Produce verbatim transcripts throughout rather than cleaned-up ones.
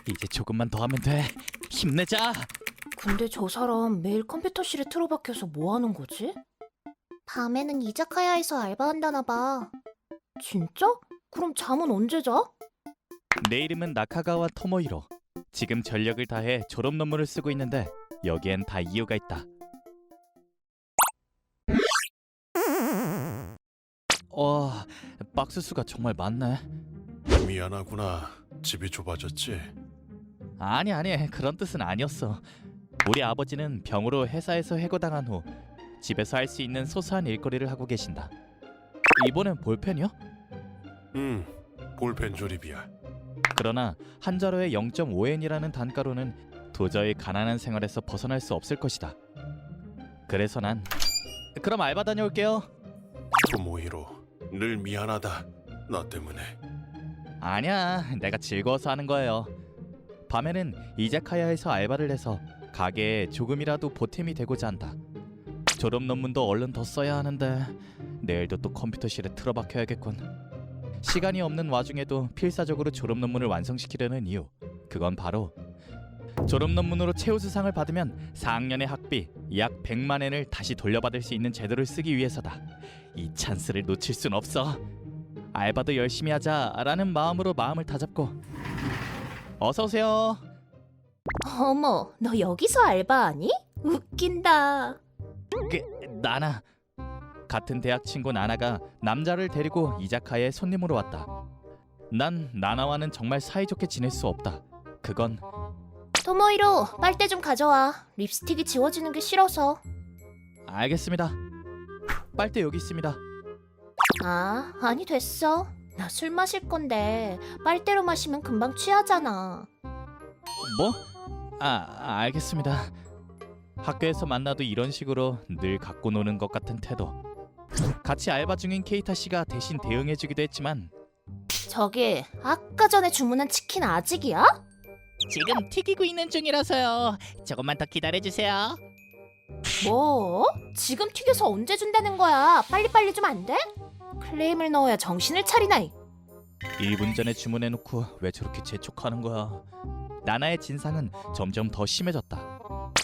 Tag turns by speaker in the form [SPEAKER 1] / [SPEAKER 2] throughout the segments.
[SPEAKER 1] 이제 조금만 더 하면 돼. 힘내자.
[SPEAKER 2] 근데 저 사람 매일 컴퓨터실에 틀어박혀서 뭐 하는 거지? 밤에는 이자카야에서 알바한다나 봐. 진짜? 그럼 잠은 언제 자?
[SPEAKER 1] 내 이름은 나카가와 토모히로. 지금 전력을 다해 졸업 논문을 쓰고 있는데 여기엔 다 이유가 있다. 어, 박스 수가 정말 많네.
[SPEAKER 3] 미안하구나. 집이 좁아졌지?
[SPEAKER 1] 아니 아니 그런 뜻은 아니었어. 우리 아버지는 병으로 회사에서 해고당한 후 집에서 할 수 있는 소소한 일거리를 하고 계신다. 이번엔 볼펜이요?
[SPEAKER 3] 응, 볼펜 조립이야.
[SPEAKER 1] 그러나 한 자루에 영 점 오 엔이라는 단가로는 도저히 가난한 생활에서 벗어날 수 없을 것이다. 그래서 난 그럼 알바 다녀올게요.
[SPEAKER 3] 토모히로, 늘 미안하다. 나 때문에.
[SPEAKER 1] 아니야, 내가 즐거워서 하는 거예요. 밤에는 이자카야에서 알바를 해서 가게에 조금이라도 보탬이 되고자 한다. 졸업 논문도 얼른 더 써야 하는데 내일도 또 컴퓨터실에 틀어박혀야겠군. 시간이 없는 와중에도 필사적으로 졸업 논문을 완성시키려는 이유, 그건 바로 졸업 논문으로 최우수상을 받으면 사 학년의 학비 약 백만 엔을 다시 돌려받을 수 있는 제도를 쓰기 위해서다. 이 찬스를 놓칠 순 없어. 알바도 열심히 하자라는 마음으로 마음을 다잡고 어서 오세요.
[SPEAKER 2] 어머, 너 여기서 알바하니? 웃긴다.
[SPEAKER 1] 그, 나나. 같은 대학 친구 나나가 남자를 데리고 이자카야에 손님으로 왔다. 난 나나와는 정말 사이좋게 지낼 수 없다. 그건
[SPEAKER 2] 토모히로, 빨대 좀 가져와. 립스틱이 지워지는 게 싫어서.
[SPEAKER 1] 알겠습니다. 빨대 여기 있습니다.
[SPEAKER 2] 아, 아니 됐어. 나 술 마실 건데 빨대로 마시면 금방 취하잖아.
[SPEAKER 1] 뭐? 아, 알겠습니다. 학교에서 만나도 이런 식으로 늘 갖고 노는 것 같은 태도. 같이 알바 중인 케이타 씨가 대신 대응해주기도 했지만
[SPEAKER 2] 저기, 아까 전에 주문한 치킨 아직이야?
[SPEAKER 1] 지금 튀기고 있는 중이라서요. 조금만 더 기다려주세요.
[SPEAKER 2] 뭐? 지금 튀겨서 언제 준다는 거야? 빨리빨리 좀 안 돼? 클레임을 넣어야 정신을 차리나. 이.
[SPEAKER 1] 일 분 전에 주문해놓고 왜 저렇게 재촉하는 거야. 나나의 진상은 점점 더 심해졌다.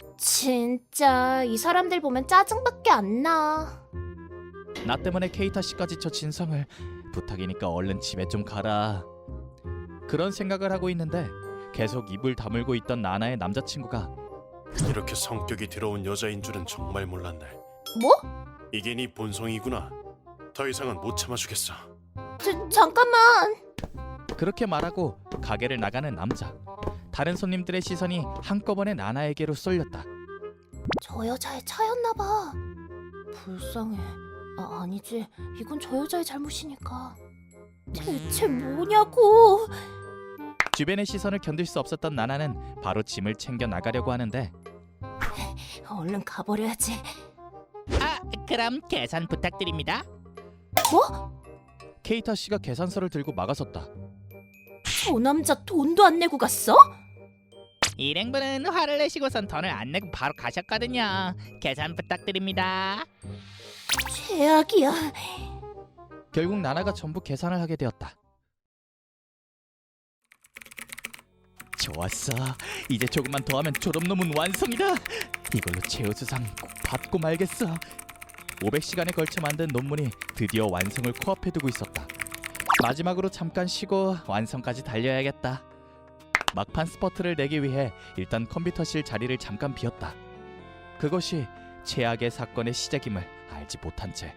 [SPEAKER 2] 진짜 이 사람들 보면 짜증밖에 안 나.
[SPEAKER 1] 나 때문에 케이타 씨까지 저 진상을. 부탁이니까 얼른 집에 좀 가라. 그런 생각을 하고 있는데 계속 입을 다물고 있던 나나의 남자친구가
[SPEAKER 3] 이렇게 성격이 더러운 여자인 줄은 정말 몰랐네.
[SPEAKER 2] 뭐?
[SPEAKER 3] 이게 네 본성이구나. 더 이상은 못 참아주겠어.
[SPEAKER 2] 저, 잠깐만.
[SPEAKER 1] 그렇게 말하고 가게를 나가는 남자. 다른 손님들의 시선이 한꺼번에 나나에게로 쏠렸다.
[SPEAKER 2] 저 여자의 차였나 봐. 불쌍해. 아, 아니지. 이건 저 여자의 잘못이니까. 대체 뭐냐고.
[SPEAKER 1] 주변의 시선을 견딜 수 없었던 나나는 바로 짐을 챙겨 나가려고 하는데
[SPEAKER 2] 얼른 가버려야지.
[SPEAKER 4] 아, 그럼 계산 부탁드립니다.
[SPEAKER 2] 뭐?
[SPEAKER 1] 케이타 씨가 계산서를 들고 막아섰다.
[SPEAKER 2] 저 남자 돈도 안 내고 갔어?
[SPEAKER 4] 일행분은 화를 내시고선 돈을 안 내고 바로 가셨거든요. 계산 부탁드립니다.
[SPEAKER 2] 최악이야.
[SPEAKER 1] 결국 나나가 전부 계산을 하게 되었다. 좋았어. 이제 조금만 더 하면 졸업 논문 완성이다. 이걸로 최우수상 꼭 받고 말겠어. 오백 시간에 걸쳐 만든 논문이 드디어 완성을 코앞에 두고 있었다. 마지막으로 잠깐 쉬고 완성까지 달려야겠다. 막판 스퍼트를 내기 위해 일단 컴퓨터실 자리를 잠깐 비웠다. 그것이 최악의 사건의 시작임을 알지 못한 채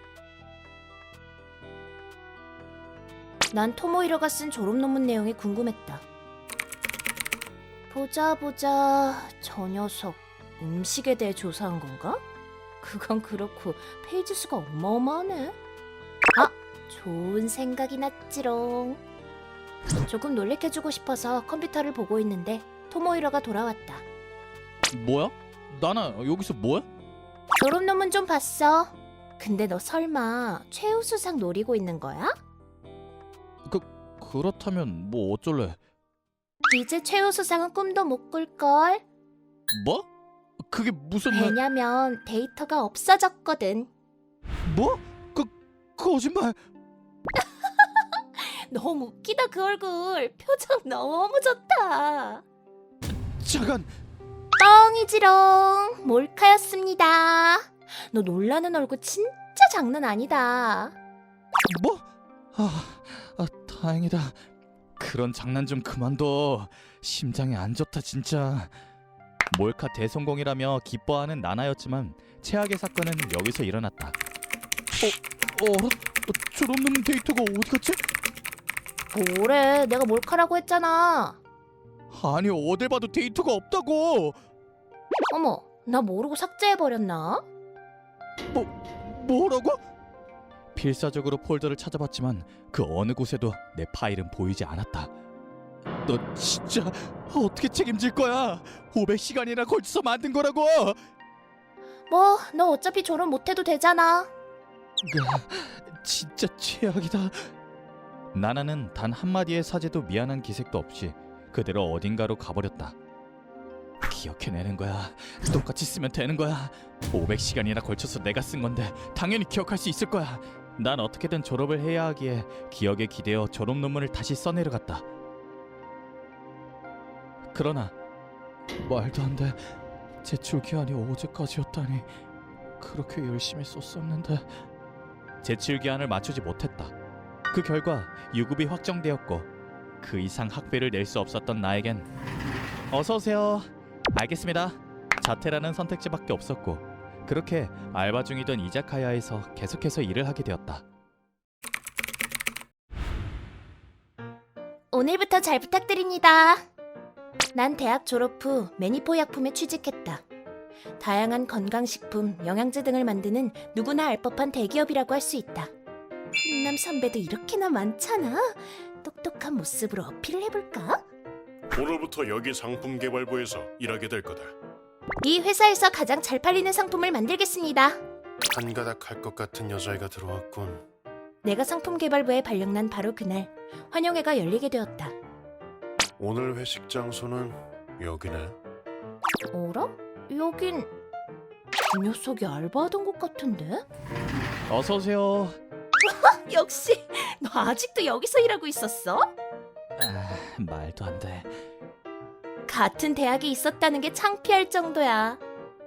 [SPEAKER 2] 난 토모히로가 쓴 졸업 논문 내용이 궁금했다. 보자 보자. 저 녀석 음식에 대해 조사한 건가? 그건 그렇고 페이지 수가 어마어마하네. 아, 좋은 생각이 났지롱. 조금 놀래켜주고 싶어서 컴퓨터를 보고 있는데 토모히로가 돌아왔다.
[SPEAKER 1] 뭐야? 나나 여기서 뭐야?
[SPEAKER 2] 졸업 논문 좀 봤어. 근데 너 설마 최우수상 노리고 있는 거야?
[SPEAKER 1] 그 그렇다면 뭐 어쩔래?
[SPEAKER 2] 이제 최우수상은 꿈도 못 꿀걸.
[SPEAKER 1] 뭐? 그게 무슨 말?
[SPEAKER 2] 왜냐면 데이터가 없어졌거든.
[SPEAKER 1] 뭐? 그 거짓말.
[SPEAKER 2] 너무 웃기다 그 얼굴. 표정 너무 좋다.
[SPEAKER 1] 잠깐.
[SPEAKER 2] 뻥이지롱. 몰카였습니다. 너 놀라는 얼굴 진짜 장난 아니다.
[SPEAKER 1] 뭐? 아, 아 다행이다. 그런 장난 좀 그만둬. 심장이 안 좋다 진짜. 몰카 대성공이라며 기뻐하는 나나였지만 최악의 사건은 여기서 일어났다. 어? 어라? 어, 졸업논문 데이터가 어디 갔지?
[SPEAKER 2] 뭐래, 내가 몰카라고 했잖아.
[SPEAKER 1] 아니 어딜 봐도 데이터가 없다고.
[SPEAKER 2] 어머, 나 모르고 삭제해버렸나?
[SPEAKER 1] 뭐 뭐라고? 필사적으로 폴더를 찾아봤지만 그 어느 곳에도 내 파일은 보이지 않았다. 너 진짜 어떻게 책임질 거야? 오백 시간이나 걸쳐서 만든 거라고.
[SPEAKER 2] 뭐, 너 어차피 졸업 못해도 되잖아.
[SPEAKER 1] 진짜 최악이다. 나나는 단 한마디의 사죄도 미안한 기색도 없이 그대로 어딘가로 가버렸다. 기억해내는 거야. 똑같이 쓰면 되는 거야. 오백 시간이나 걸쳐서 내가 쓴 건데 당연히 기억할 수 있을 거야. 난 어떻게든 졸업을 해야 하기에 기억에 기대어 졸업 논문을 다시 써내려갔다. 그러나 말도 안 돼. 제출 기한이 어제까지였다니. 그렇게 열심히 썼었는데. 제출 기한을 맞추지 못했다. 그 결과 유급이 확정되었고 그 이상 학비를 낼 수 없었던 나에겐 어서 오세요. 알겠습니다. 자퇴라는 선택지밖에 없었고 그렇게 알바 중이던 이자카야에서 계속해서 일을 하게 되었다.
[SPEAKER 2] 오늘부터 잘 부탁드립니다. 난 대학 졸업 후 매니포 약품에 취직했다. 다양한 건강식품, 영양제 등을 만드는 누구나 알 법한 대기업이라고 할 수 있다. 훈남 선배도 이렇게나 많잖아. 똑똑한 모습으로 어필을 해볼까?
[SPEAKER 3] 오늘부터 여기 상품개발부에서 일하게 될 거다.
[SPEAKER 2] 이 회사에서 가장 잘 팔리는 상품을 만들겠습니다.
[SPEAKER 3] 한가닥 할 것 같은 여자애가 들어왔군.
[SPEAKER 2] 내가 상품개발부에 발령난 바로 그날 환영회가 열리게 되었다.
[SPEAKER 3] 오늘 회식 장소는 여기네.
[SPEAKER 2] 어라? 여긴 이 녀석이 알바하던 곳 같은데?
[SPEAKER 1] 어서 오세요.
[SPEAKER 2] 역시 너 아직도 여기서 일하고 있었어?
[SPEAKER 1] 아, 말도 안 돼.
[SPEAKER 2] 같은 대학에 있었다는 게 창피할 정도야.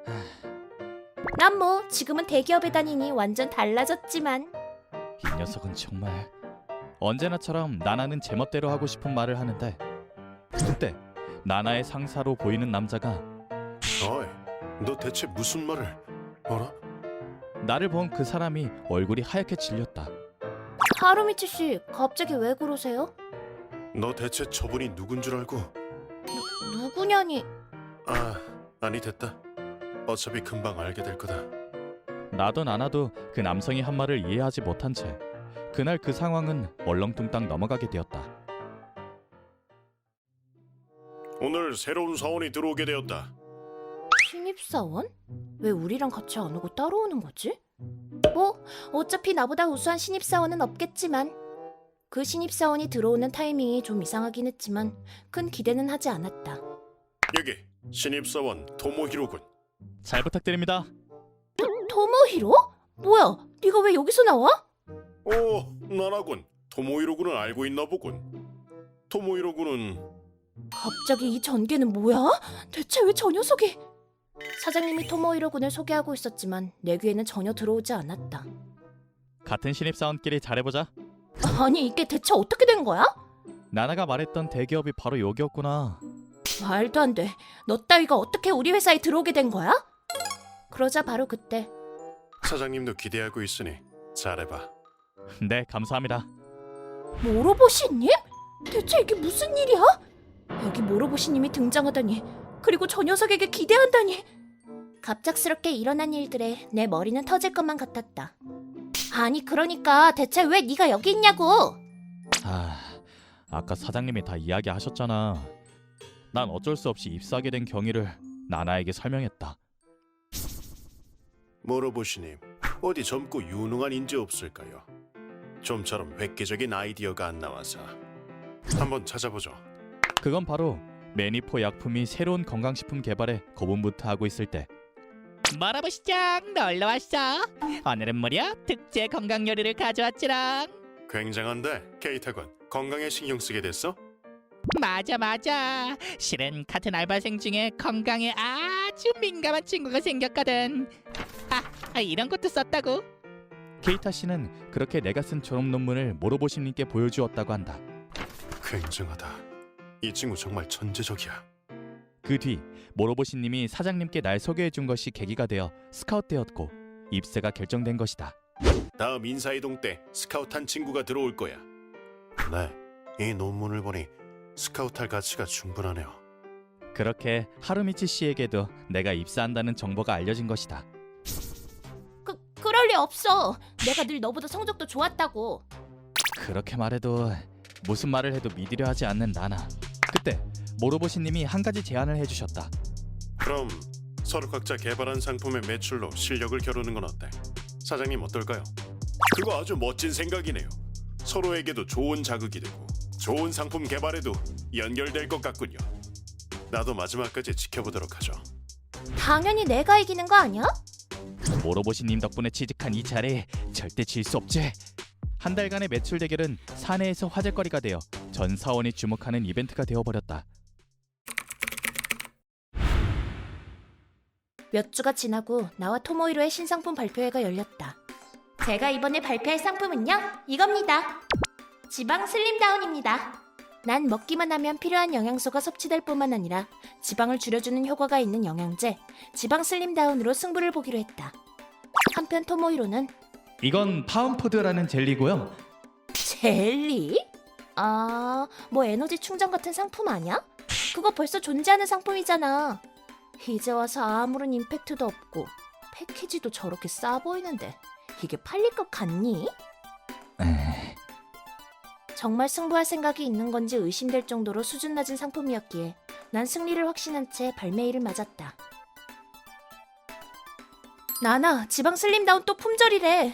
[SPEAKER 2] 난 뭐 지금은 대기업에 다니니 완전 달라졌지만.
[SPEAKER 1] 이 녀석은 정말 언제나처럼 나나는 제멋대로 하고 싶은 말을 하는데 그때 나나의 상사로 보이는 남자가
[SPEAKER 3] 어이, 너 대체 무슨 말을... 어라?
[SPEAKER 1] 나를 본 그 사람이 얼굴이 하얗게 질렸다.
[SPEAKER 2] 하루미치 씨, 갑자기 왜 그러세요?
[SPEAKER 3] 너 대체 저분이 누군 줄 알고...
[SPEAKER 2] 누구냐니?
[SPEAKER 3] 아, 아니 됐다. 어차피 금방 알게 될 거다.
[SPEAKER 1] 나도 나나도 그 남성이 한 말을 이해하지 못한 채 그날 그 상황은 얼렁뚱땅 넘어가게 되었다.
[SPEAKER 3] 오늘 새로운 사원이 들어오게 되었다.
[SPEAKER 2] 신입사원? 왜 우리랑 같이 안 오고 따로 오는 거지? 뭐 어차피 나보다 우수한 신입사원은 없겠지만 그 신입사원이 들어오는 타이밍이 좀 이상하긴 했지만 큰 기대는 하지 않았다.
[SPEAKER 3] 여기 신입사원 토모히로군.
[SPEAKER 1] 잘 부탁드립니다.
[SPEAKER 2] 토모히로? 뭐야? 네가 왜 여기서 나와?
[SPEAKER 3] 오, 나나군. 토모히로군을 알고 있나 보군. 토모히로군은...
[SPEAKER 2] 갑자기 이 전개는 뭐야? 대체 왜 저 녀석이... 사장님이 토모히로 군을 소개하고 있었지만 내 귀에는 전혀 들어오지 않았다.
[SPEAKER 1] 같은 신입사원끼리 잘해보자.
[SPEAKER 2] 아니 이게 대체 어떻게 된 거야?
[SPEAKER 1] 나나가 말했던 대기업이 바로 여기였구나.
[SPEAKER 2] 말도 안 돼. 너 따위가 어떻게 우리 회사에 들어오게 된 거야? 그러자 바로 그때
[SPEAKER 3] 사장님도 기대하고 있으니 잘해봐.
[SPEAKER 1] 네, 감사합니다.
[SPEAKER 2] 모로보시님? 대체 이게 무슨 일이야? 여기 모로보시님이 등장하다니, 그리고 저 녀석에게 기대한다니. 갑작스럽게 일어난 일들에 내 머리는 터질 것만 같았다. 아니 그러니까 대체 왜 네가 여기 있냐고.
[SPEAKER 1] 아, 아까 사장님이 다 이야기하셨잖아. 난 어쩔 수 없이 입사하게 된 경위를 나나에게 설명했다.
[SPEAKER 3] 모로보시님, 어디 젊고 유능한 인재 없을까요? 좀처럼 획기적인 아이디어가 안 나와서 한번 찾아보죠.
[SPEAKER 1] 그건 바로 매니포 약품이 새로운 건강식품 개발에 고분부터하고 있을 때
[SPEAKER 4] 멀어보시장 놀러 왔어. 오늘은 무려 특제 건강 요리를 가져왔지랑.
[SPEAKER 3] 굉장한데, 케이타군. 건강에 신경 쓰게 됐어?
[SPEAKER 4] 맞아 맞아. 실은 같은 알바생 중에 건강에 아주 민감한 친구가 생겼거든. 아, 아 이런 것도 썼다고?
[SPEAKER 1] 케이타 씨는 그렇게 내가 쓴 졸업 논문을 모로보시님께 보여주었다고 한다.
[SPEAKER 3] 굉장하다. 이 친구 정말 천재적이야.
[SPEAKER 1] 그 뒤 모로보시님이 사장님께 날 소개해 준 것이 계기가 되어 스카웃되었고 입사가 결정된 것이다.
[SPEAKER 3] 다음 인사이동 때 스카우트한 친구가 들어올 거야. 네, 이 논문을 보니 스카우트할 가치가 충분하네요.
[SPEAKER 1] 그렇게 하루미치 씨에게도 내가 입사한다는 정보가 알려진 것이다.
[SPEAKER 2] 그 그럴 리 없어. 내가 늘 너보다 성적도 좋았다고.
[SPEAKER 1] 그렇게 말해도 무슨 말을 해도 믿으려 하지 않는 나나. 그때 모로보시님이 한 가지 제안을 해주셨다.
[SPEAKER 3] 그럼 서로 각자 개발한 상품의 매출로 실력을 겨루는 건 어때? 사장님 어떨까요? 그거 아주 멋진 생각이네요. 서로에게도 좋은 자극이 되고 좋은 상품 개발에도 연결될 것 같군요. 나도 마지막까지 지켜보도록 하죠.
[SPEAKER 2] 당연히 내가 이기는 거 아니야?
[SPEAKER 1] 모로보시님 덕분에 취직한 이 자리 절대 질 수 없지. 한 달간의 매출 대결은 사내에서 화제거리가 되어 전 사원이 주목하는 이벤트가 되어버렸다.
[SPEAKER 2] 몇 주가 지나고 나와 토모히로의 신상품 발표회가 열렸다. 제가 이번에 발표할 상품은요, 이겁니다. 지방 슬림다운입니다. 난 먹기만 하면 필요한 영양소가 섭취될 뿐만 아니라 지방을 줄여주는 효과가 있는 영양제 지방 슬림다운으로 승부를 보기로 했다. 한편 토모히로는
[SPEAKER 1] 이건 파운푸드라는 젤리고요.
[SPEAKER 2] 젤리? 아, 뭐 에너지 충전 같은 상품 아니야? 그거 벌써 존재하는 상품이잖아. 이제 와서 아무런 임팩트도 없고 패키지도 저렇게 싸 보이는데 이게 팔릴 것 같니?
[SPEAKER 1] 에이,
[SPEAKER 2] 정말 승부할 생각이 있는 건지 의심될 정도로 수준 낮은 상품이었기에 난 승리를 확신한 채 발매일을 맞았다. 나나, 지방 슬림다운 또 품절이래.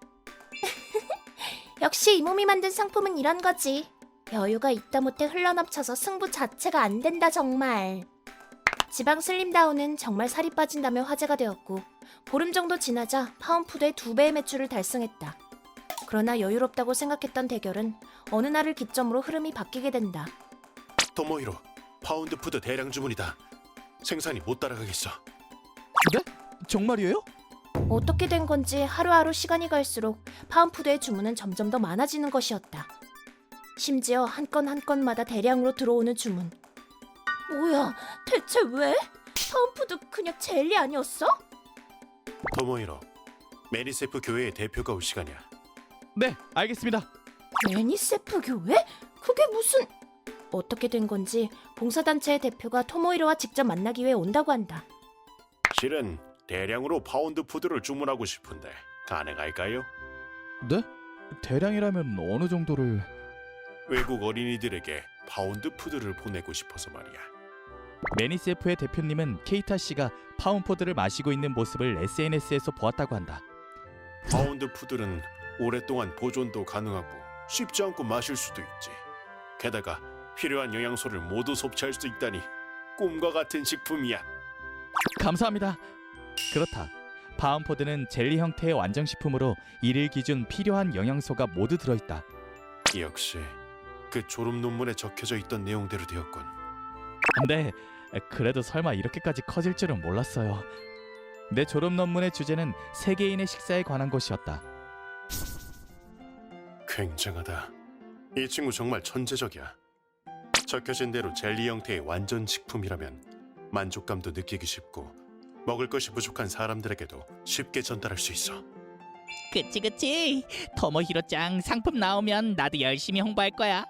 [SPEAKER 2] 역시 이 몸이 만든 상품은 이런 거지. 여유가 있다 못해 흘러넘쳐서 승부 자체가 안 된다 정말. 지방 슬림다운은 정말 살이 빠진다며 화제가 되었고 보름 정도 지나자 파운푸드의 두 배의 매출을 달성했다. 그러나 여유롭다고 생각했던 대결은 어느 날을 기점으로 흐름이 바뀌게 된다.
[SPEAKER 3] 토모히로, 파운드푸드 대량 주문이다. 생산이 못 따라가겠어.
[SPEAKER 1] 네? 정말이에요?
[SPEAKER 2] 어떻게 된 건지 하루하루 시간이 갈수록 파운푸드의 주문은 점점 더 많아지는 것이었다. 심지어 한 건 한 건마다 대량으로 들어오는 주문. 뭐야, 대체 왜? 파운푸드 그냥 젤리 아니었어?
[SPEAKER 3] 토모히로, 메리세프 교회의 대표가 올 시간이야.
[SPEAKER 1] 네, 알겠습니다.
[SPEAKER 2] 매니세프 교회? 그게 무슨... 어떻게 된 건지 봉사단체의 대표가 토모히로와 직접 만나기 위해 온다고 한다.
[SPEAKER 3] 실은 대량으로 파운드푸드를 주문하고 싶은데 가능할까요?
[SPEAKER 1] 네? 대량이라면 어느 정도를...
[SPEAKER 3] 외국 어린이들에게 파운드푸드를 보내고 싶어서 말이야.
[SPEAKER 1] 매니세프의 대표님은 케이타 씨가 파운푸드를 마시고 있는 모습을 에스엔에스에서 보았다고 한다.
[SPEAKER 3] 파운드푸드는 오랫동안 보존도 가능하고 쉽지 않고 마실 수도 있지. 게다가 필요한 영양소를 모두 섭취할 수 있다니 꿈과 같은 식품이야.
[SPEAKER 1] 감사합니다. 그렇다. 파운푸드는 젤리 형태의 완성식품으로 일일 기준 필요한 영양소가 모두 들어있다.
[SPEAKER 3] 역시 그 졸업 논문에 적혀져 있던 내용대로 되었군.
[SPEAKER 1] 근데 그래도 설마 이렇게까지 커질 줄은 몰랐어요. 내 졸업 논문의 주제는 세계인의 식사에 관한 것이었다.
[SPEAKER 3] 굉장하다. 이 친구 정말 천재적이야. 적혀진 대로 젤리 형태의 완전 식품이라면 만족감도 느끼기 쉽고 먹을 것이 부족한 사람들에게도 쉽게 전달할 수 있어.
[SPEAKER 4] 그치 그치. 토모히로짱 상품 나오면 나도 열심히 홍보할 거야.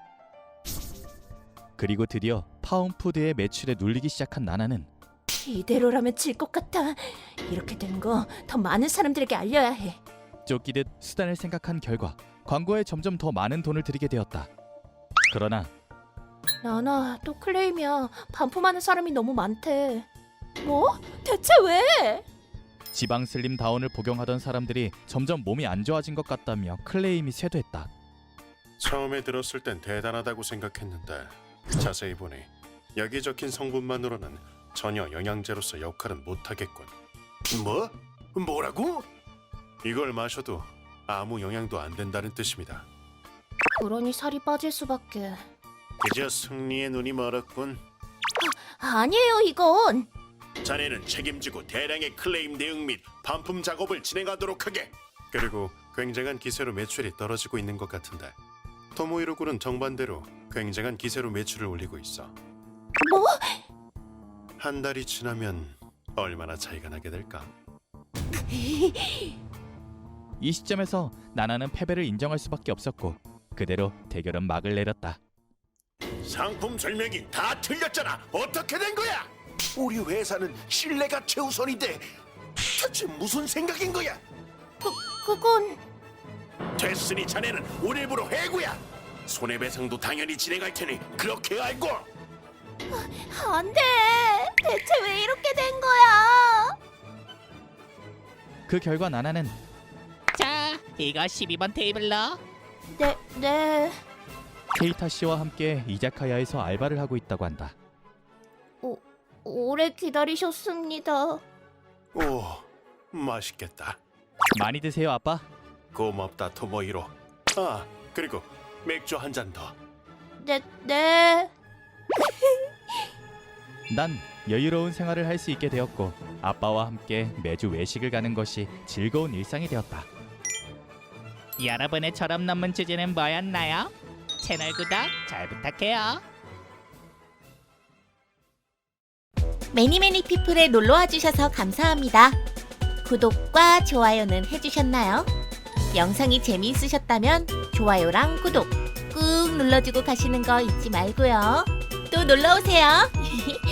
[SPEAKER 1] 그리고 드디어 파운푸드의 매출에 눌리기 시작한 나나는
[SPEAKER 2] 이대로라면 질 것 같아. 이렇게 된 거 더 많은 사람들에게 알려야 해.
[SPEAKER 1] 쫓기듯 수단을 생각한 결과 광고에 점점 더 많은 돈을 들이게 되었다. 그러나
[SPEAKER 2] 나나, 또 클레임이야. 반품하는 사람이 너무 많대. 뭐? 대체 왜?
[SPEAKER 1] 지방 슬림 다운을 복용하던 사람들이 점점 몸이 안 좋아진 것 같다며 클레임이 쇄도했다.
[SPEAKER 3] 처음에 들었을 땐 대단하다고 생각했는데 자세히 보니 여기 적힌 성분만으로는 전혀 영양제로서 역할은 못하겠군. 뭐? 뭐라고? 이걸 마셔도 아무 영향도 안 된다는 뜻입니다.
[SPEAKER 2] 그러니 살이 빠질 수밖에.
[SPEAKER 3] 그저 승리의 눈이 멀었군.
[SPEAKER 2] 아니에요, 이건.
[SPEAKER 3] 자네는 책임지고 대량의 클레임 대응 및 반품 작업을 진행하도록 하게. 그리고 굉장한 기세로 매출이 떨어지고 있는 것 같은데 토모히로 군은 정반대로 굉장한 기세로 매출을 올리고 있어.
[SPEAKER 2] 뭐?
[SPEAKER 3] 한 달이 지나면 얼마나 차이가 나게 될까?
[SPEAKER 1] 이 시점에서 나나는 패배를 인정할 수밖에 없었고 그대로 대결은 막을 내렸다.
[SPEAKER 3] 상품 설명이 다 틀렸잖아. 어떻게 된 거야? 우리 회사는 신뢰가 최우선인데 대체 무슨 생각인 거야?
[SPEAKER 2] 그, 그건...
[SPEAKER 3] 됐으니 자네는 오늘부로 해고야. 손해배상도 당연히 진행할 테니 그렇게 알고.
[SPEAKER 2] 안 돼. 대체 왜 이렇게 된 거야?
[SPEAKER 1] 그 결과 나나는
[SPEAKER 4] 자, 이거 십이 번 테이블로.
[SPEAKER 2] 네, 네.
[SPEAKER 1] 케이타 씨와 함께 이자카야에서 알바를 하고 있다고 한다.
[SPEAKER 2] 오, 오래 기다리셨습니다.
[SPEAKER 3] 오, 맛있겠다.
[SPEAKER 1] 많이 드세요, 아빠.
[SPEAKER 3] 고맙다 토모히로. 아, 그리고 맥주 한 잔 더.
[SPEAKER 2] 네, 네.
[SPEAKER 1] 난 여유로운 생활을 할 수 있게 되었고 아빠와 함께 매주 외식을 가는 것이 즐거운 일상이 되었다.
[SPEAKER 4] 여러분의 철업 논문 주제는 뭐였나요? 채널 구독 잘 부탁해요.
[SPEAKER 2] 매니매니 피플에 놀러와 주셔서 감사합니다. 구독과 좋아요는 해주셨나요? 영상이 재미있으셨다면 좋아요랑 구독 꾹 눌러주고 가시는 거 잊지 말고요. 또 놀러오세요.